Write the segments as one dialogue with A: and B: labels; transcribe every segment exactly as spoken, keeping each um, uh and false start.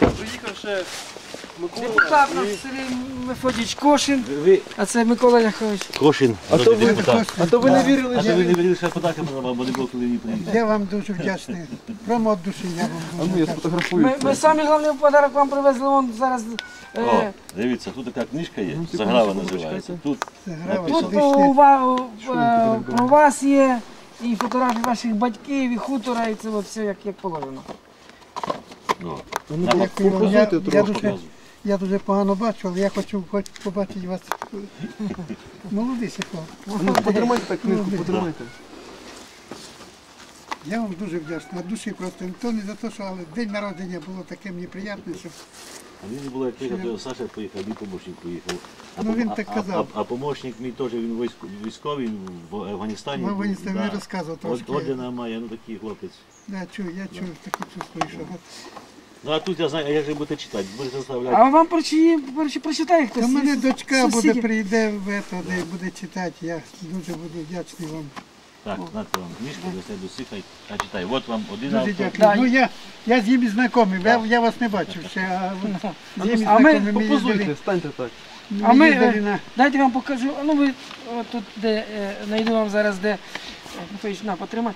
A: Приїхав ще Микола.
B: Депутат наш Сергій Мефодійович Кошин, а це Микола Ляхович.
C: Кошин,
A: А то ви,
C: депутат.
A: а то ви не вірили,
C: А
A: що
C: то ви не вирішили, що подарки подавав, бо не було коли її приїхати.
D: Я вам дуже вдячний. Прямо від душі я вам
A: А ну
D: дуже
A: я
D: вдячний.
A: сфотографую.
B: Ми, ми самі головний подарок вам привезли, вон зараз.
C: О,
B: Е,
C: дивіться, тут така книжка є,
A: секунду,
C: Заграва
A: секунду,
C: називається.
A: чекайте.
C: Тут
D: Це грава
B: тут
C: написано.
B: у, ва- у- е, про вас є і фотографії ваших батьків, і хутора, і це от все як, як положено.
C: Ну,
A: Ну,
C: Нам
D: Дякую вам. Я,
A: Попозуйте
D: я,
A: трохи.
D: дуже, я дуже погано бачу, але я хочу хоч побачити вас. Молодий хлоп.
A: Ну, потримайте так книжку, потримайте.
D: Я вам дуже вдячний. Від душі просто. То не за те, що але день народження було таке мені приємне, що
C: а він не було як приїхав, то Саша поїхав, мій помощник поїхав. А,
D: Ну,
C: пом-
D: він
C: а-
D: так
C: а-
D: казав.
C: А, а помощник мій теж, він військ- військовий, він в Афганістані.
D: в
C: був,
D: Афганістані
C: да.
D: розказував
C: От-
D: трошки.
C: Ордена має, ну такий хлопець.
D: Я чую, я чую, таке чувствую, що от.
C: Ну а тут я знаю, а як же будете читати? Будете заставляти.
B: А вам прочи, прочи, прочитає хтось?
D: Та в мене
B: із
D: дочка буде
B: сусідів?
D: прийде в ето, де буде читати. Я дуже буду вдячний вам.
C: Так, нате вам книжку, дасте до сихай, а читай. От вам один
D: Дуже
C: автор.
D: дякую.
B: Да.
D: Ну я, я з ними знайомий, я, я вас не бачив ще, а от з ними
B: А ми
D: знайомий. Ми
A: Попозуйте,
D: їздили,
A: станьте так.
B: А
D: ми
B: ми,
D: їздили
B: е,
D: на...
B: дайте вам покажу, а ну ви от тут, де, е, знайду вам зараз, де, е, Михайлович, на, потримай.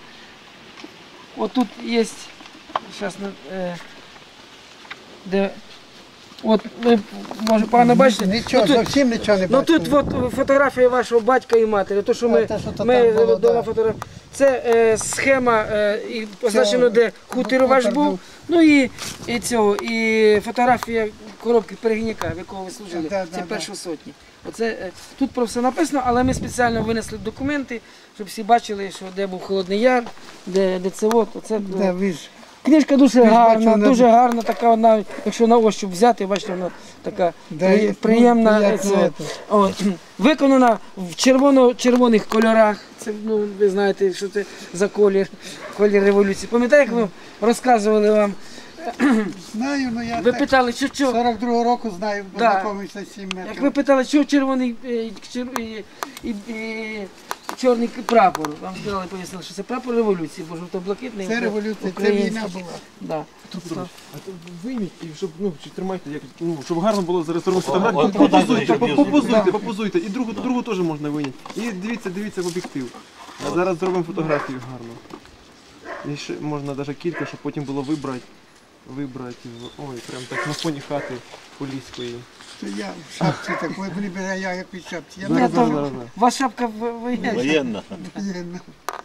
B: От тут є, зараз, е, де, от, ви, може, погано бачите?
D: Нічого,
B: Ну, тут-
D: зовсім нічого не
B: Ну
D: бачив.
B: тут от фотографія вашого батька і матері, то що ми,
D: А, те, що то
B: ми
D: там було,
B: вдома
D: да.
B: фотограф... Це е, схема, е, і позначено, де хутір
D: хутор
B: ваш був,
D: був.
B: ну і, і цього, і фотографія коробки перегніка, в якого ви служили,
D: Да,
B: це
D: да,
B: першої сотні. Оце, е, тут про все написано, але ми спеціально винесли документи, щоб всі бачили, що де був Холодний Яр, де, де це от. Оце,
D: Да, ви ж.
B: книжка дуже
D: Ви ж
B: гарна,
D: бачили,
B: дуже гарна, така, навіть, якщо на ощуп взяти, бачите, вона така
D: Да,
B: при-
D: і, ну,
B: приємна.
D: приємно
B: Це,
D: це.
B: от, виконана в червоно-червоних кольорах. Це, ну, ви знаєте, що це за колір, колір революції. Пам'ятаєте, як ми розказували вам?
D: Знаю, ну я
B: Ви
D: так
B: питали, що, що?
D: сорок другого року знаю, бо
B: Да.
D: знайомився з сім
B: Як ви
D: метрів.
B: питали, що червоний е, чер- і, і, і, чорний прапор? Вам сказали, пояснили, що це прапор революції, бо жовто-блакитний.
D: Це революція, це
B: український.
D: війна була.
B: Да.
A: Петро Петрович, а то вийміть, і щоб, ну, чи тримайте, як, ну, щоб гарно було зареєструвати
C: О,
A: фотографію.
C: от,
A: Попозуйте,
C: от, от,
A: попозуйте,
D: от.
A: попозуйте. І другу, другу теж можна вийняти. І дивіться, дивіться в об'єктив. А зараз зробимо фотографію гарно. І ще можна навіть кілька, щоб потім було вибрати. Вибрати. в- Ой, прям так на фоні хати поліської.
D: Це я в шапці такої, блін, а я якось в шапці. Я
B: Ні,
A: Зараз,
D: так
B: то
A: зараз, зараз, зараз.
B: ваша шапка в- воєнна.
C: Воєнна.
D: воєнна.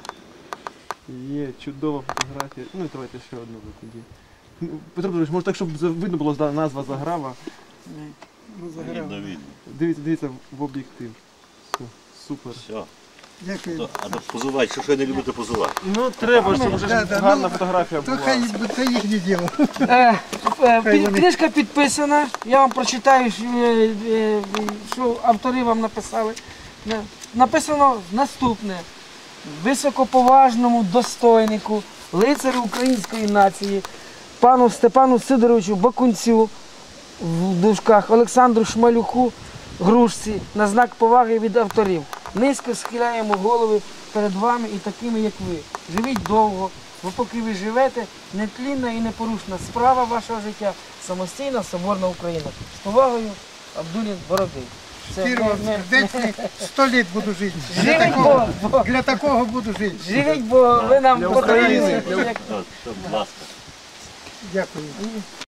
A: Є чудова фотографія. Ну і давайте ще одну ви тоді. Ну, Петро Петрович, може так, щоб за- видно було за- назва Заграва.
D: Ну, заграв.
C: Видно, видно.
A: Дивіться, дивіться в об'єктив. Все, супер.
C: Все.
D: Дякую.
C: То, а то позувати, що ж ви не любите позувати?
A: Ну треба, щоб вже
D: Да,
A: ж
D: да,
A: гарна
D: ну,
A: фотографія
D: То
A: була.
D: хай це їхнє діло.
B: Е, е, під-
D: вони-
B: Книжка підписана, я вам прочитаю, що, е, е, що автори вам написали. Е, Написано наступне. Високоповажному достойнику, лицарю української нації, пану Степану Сидоровичу Бакунцю, в дужках, Олександру Шмалюку, Грушці, на знак поваги від авторів. Низько схиляємо голови перед вами і такими, як ви. Живіть довго, бо поки ви живете, нетлінна і непорушна справа вашого життя, самостійна соборна Україна. З повагою, Абдулін Боробий. Це
D: Щиро
B: ми-
D: вам
B: ми-
D: сердечний, сто літ буду жити. Для
B: Живіть,
D: такого,
B: бо, бо,
D: для такого буду жити.
B: живіть, бо ви нам
A: Для
B: потрібні.
A: України.
B: Як-
C: От, будь ласка.
D: Дякую.